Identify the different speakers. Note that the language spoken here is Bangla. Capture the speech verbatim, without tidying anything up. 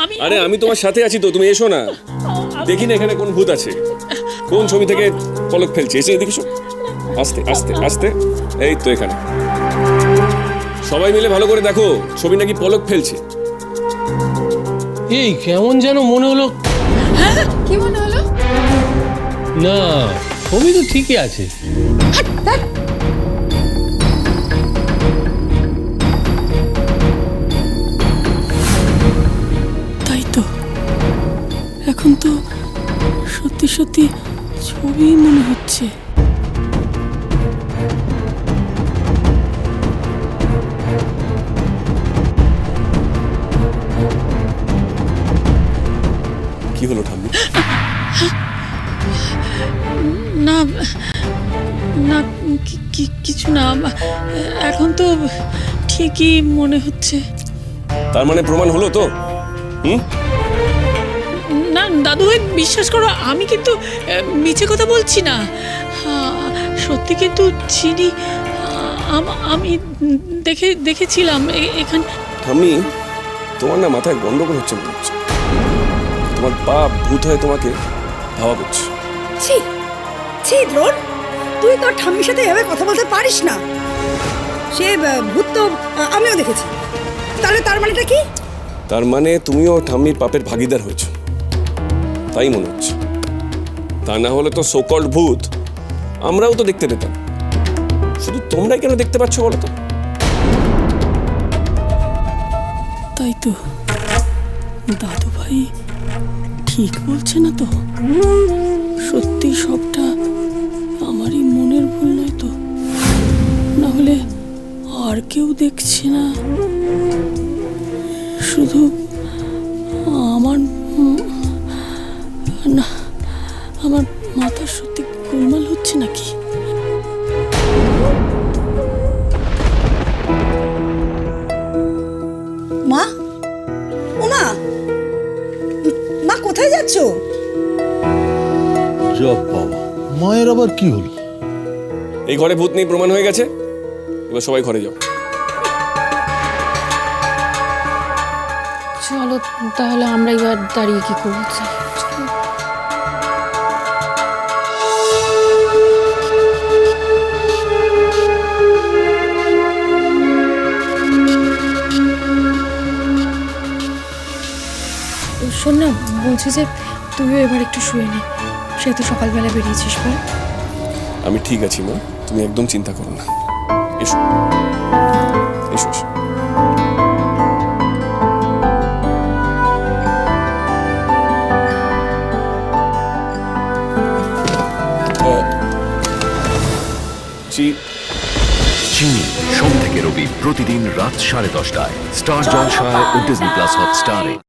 Speaker 1: আমি
Speaker 2: আরে আমি তোমার সাথে আছি তো, তুমি এসো না। দেখি না এখানে কোন ভূত আছে, কোন ছবি থেকে পলক ফেলছে, এসে দেখিস। আস্তে আস্তে আস্তে, এই তো এখানে। সবাই মিলে ভালো করে দেখো, ছবি নাকি পলক ফেলছে।
Speaker 3: এই কেমন যেন মনে হলো।
Speaker 1: হ্যাঁ কি মনে হলো?
Speaker 3: না, ছবি তো ঠিকই আছে।
Speaker 1: তাই তো, এখন তো সত্যি সত্যি ছবি মনে হচ্ছে।
Speaker 2: কি হলো ঠাম্মি?
Speaker 1: না না কি- কি- কিছু না, এখন তো ঠিকই মনে হচ্ছে।
Speaker 2: তার মানে প্রমাণ হলো তো? হুম?
Speaker 1: না দাদু ভাই, বিশ্বাস করো, আমি কিন্তু আহ, মিছে কথা বলছি না। আহ, সত্যি কিন্তু চিনি। আহ, আম- আমি দেখে দেখেছিলাম এ- এখানে।
Speaker 2: ঠাম্মি, তোমার না মাথায় গন্ডগোল হচ্ছে মনে হচ্ছে। তোমার বাপ ভূত হয়ে তোমাকে ধাওয়া করছে।
Speaker 4: ছি ছি দ্রোণ, তুই তোর ঠাম্মির সাথে এভাবে কথা বলতে পারিস না। সে আহ, ভূত তো আহ, আমিও দেখেছি। তাহলে তার মানেটা কি?
Speaker 2: তার মানে তুমিও ঠাম্মির পাপের ভাগিদার হয়েছো, তাই মনে হচ্ছে। তা না হলে তো সোকল্ড ভূত আমরাও তো দেখতে পেতাম, শুধু তোমরাই কেন দেখতে পাচ্ছ বলো তো?
Speaker 1: তাই তো, দাদু ভাই ঠিক বলছে না তো? সত্যি সবটা আমারই মনের ভুল নয় তো? না হলে আর কেউ দেখছে না, শুধু আমার উম, না, আমার মাথা সত্যি গোলমাল হচ্ছে নাকি?
Speaker 4: মা, ও মা, মা কোথায় যাচ্ছ?
Speaker 5: জব বাবা, মায়ের আবার কি হলো?
Speaker 2: এই ঘরে ভূত নেই প্রমাণ হয়ে গেছে, এবার সবাই ঘরে যাও।
Speaker 6: চলো তাহলে আমরা এবার দাঁড়িয়ে কি করবো? চলো। শোন না, বলছি যে তুইও এবার একটু শুয়ে নে, সে তো সকালবেলা বেরিয়েছিস বল।
Speaker 2: আমি ঠিক আছি মা, তুমি একদম চিন্তা করো না। এসো এসো এসো। আহ, চি-
Speaker 7: চিনি সোম থেকে রবি প্রতিদিন রাত সাড়ে দশটায় স্টার জলসায় ও ডিজনি প্লাস হটস্টারে।